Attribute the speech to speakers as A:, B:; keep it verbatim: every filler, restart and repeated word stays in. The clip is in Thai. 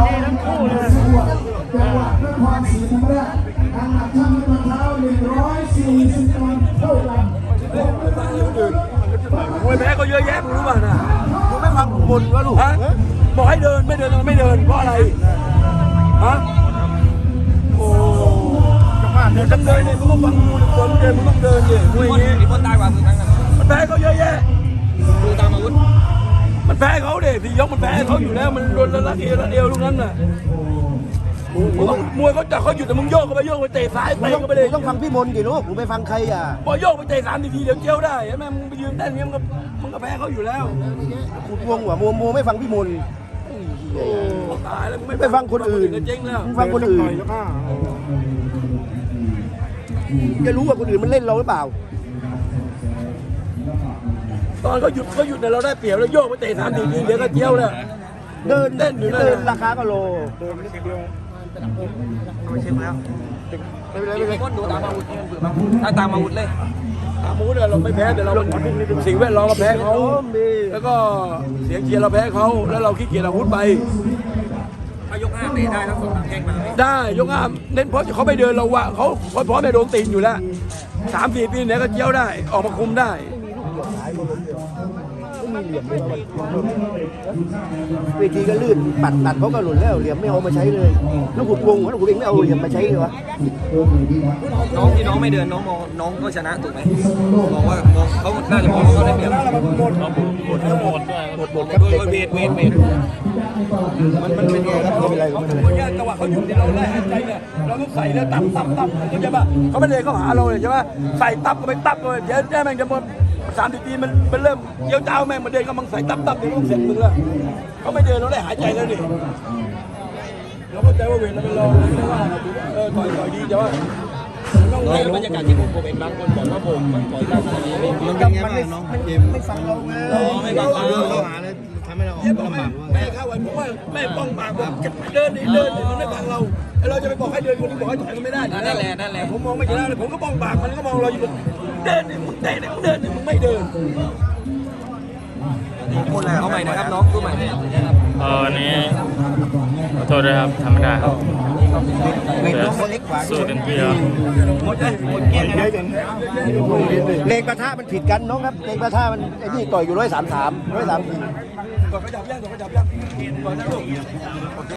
A: ดีทั้งคู่เลย
B: จังหวัดนครศรีธรรมราชน้ำหนักช่างน้ำเท้าหนึ่งร้อยสี่สิบปอนด์เท่ากัน
C: มวยแพ้ก็เยอะแยะมึงรู้ป่ะนะ
A: มึงไม่ฟังบนวะลูก
C: ฮะบอกให้เดินไม่เดินไม่เดินเพราะอะไรฮะโอ้เดินต้องเดินเนี่ยมึงต้องฟังกูดิคนเดินมึงต้องเดินดิมวยอย่างนี้
D: มีคนตายกว่ามึงครั้งนั้น
C: มันแพ้เขาเยอะแยะ
D: ดูตามอาวุธ
C: มันแพ้เขาเด็สี่ยกมันแพ้เขาอยู่แล้วมันโดนละละเอวละเอวลูกนั้นน่ะมึงต้องมวยเขาจับเขาหยุดแต่มึงโยกเข้าไปโยกไปเตะซ้ายเตะเข้าไปเลย
A: ต้องฟังพี่มนต์กี่ลูกมึงไปฟังใครอ่ะ
C: พอโยกไปเตะสามทีทีเดี๋ยวเจียวได้ใช่ไหมมึงไปยืนเต้นเงี้ยมึงก็มึงก็แพ้เขาอยู่แล้ว
A: ขุดวงหัวมัวมัวไม่ฟังพี่มนต์
C: โอ้ตายแล้วมึง
A: ไม่ฟังคนอื่น
C: เจ๊งแล้ว
A: มึงฟังคนอื่นจะรู้ว่าคนอื่นมันเล่นเราหรือเปล่า
C: ตอนเขาหยุดเขาหยุดเนี่ยเราได้เปรียบแล้วโยกไปเตะสามทีทีเดี๋ยวก็เจียวแล้ว
A: เดิน
C: เล่นอยู่นั่น
A: เดิน
C: น่ะ
A: ราคาก็โล
D: ไม่เช็คแล้วมีคนดูตามอาวุธเนี่ยเบื่อบ้างถ้าตามอาวุธเลย
C: ตามมูดเราไม่แพ้แต่เราสิ่งแวดล้อมเราแพ้เขาแล้วก็เสียงเชียร์เราแพ้เขาแล้วเราขี้เกียจอาวุธไป
D: ถ้ายกห้าเตะได้แล้วส่งแข้งมา
C: ได้ยกอ้ามเน้นเพราะเขาไม่เดินเราวะเขาเขาพร้อมจะโดนตีนอยู่แล้วสามสี่ปีเนี่ยก็เจียวได้ออกมาคุมได้
A: เวทีก็ลื่นปัดตัดเขาก็หล่นแล้วเหลี่ยมไม่เอามาใช้เลยแล้วขุดวงแล้วขุดเองไม่เอาเหลี่ยมมาใช้เลยวะ
D: น้องที่น้องไม่เดินน้องมองน้องก็ชนะถูกไหมมองว่ามองเขาน่าจะมองว่าเขาได้เปรียบ
A: หมดหมดหมดครับ
D: โด
A: เด็ก
D: ยเวทเวทเวท
A: มันมันเป็นไงครับไม่เป็นไรไม่เป็นไร
C: เพราะแค่จังหวะเขาหยุดที่เราได้หายใจเนี่ยเราต้องใส่แล้วตับตับตับเขาจะว่าเขาไม่ได้เข้าหาเราเลยใช่ไหมใส่ตับก็ไปตับก็ไปเดี๋ยวแม่งจะหมดสามสิบปีมันมันเริ่มเยี่ยวเจ้าแม่งมันเดินก็มังใส่ตับตับเดี๋ยวต้องเสร็จมึงแล้วเขาไม่เดินเราได้หายใจแล้วนี่เราเข้าใจว่าเวทเราเป็นรองไม่ได้ว่าเออต่อยต่อยดีแต่ว่าต้อง
D: น้อง
C: ให้
D: บรรยากาศที่ผมเป็นบางคนบอกว่าผมมันปล่อยได้ขนาดนี้ไม่
A: มันเป็นไงบ้างน้องเกมไม่ฟังเราไง
D: ไม่บางคน
A: เขาหาเลยทำให้เรา
C: เยี่ยมแม่แม่เข้าไว้ผมว่าแม่ป้องปากผมเดินดิเดินดิมันไม่ฟังเราไอ้เราจะไปบอกให้เดินคนที่บอกให้ถอยมันไม่ได้
D: นั่นแหละนั่นแหละ
C: ผมมองไม่เห็นเลยผมก็ป้องปากมันก็มองเราอยู่เดินดิมึงเดินดิมึงเดินดิมึงไม่เดิน
D: เอาใหม่นะครับน้องตัวใหม่
E: เออวันนี้ขอโทษด้วยครับทำไม่ได้ครับ
A: เวทน้องคนเล็กกว่า
E: สู้เต็มที่ครับ
A: หมดเลยหมดเกลี้ยงเลยเลงประทะมันผิดกันน้องครับเลงประทะมันไอ้นี่ต่อยอยู่ร้อยสามสามร้อยสามสี่
C: ก่อนขยับย่างก่อนขยับย่างก่อนนะลูก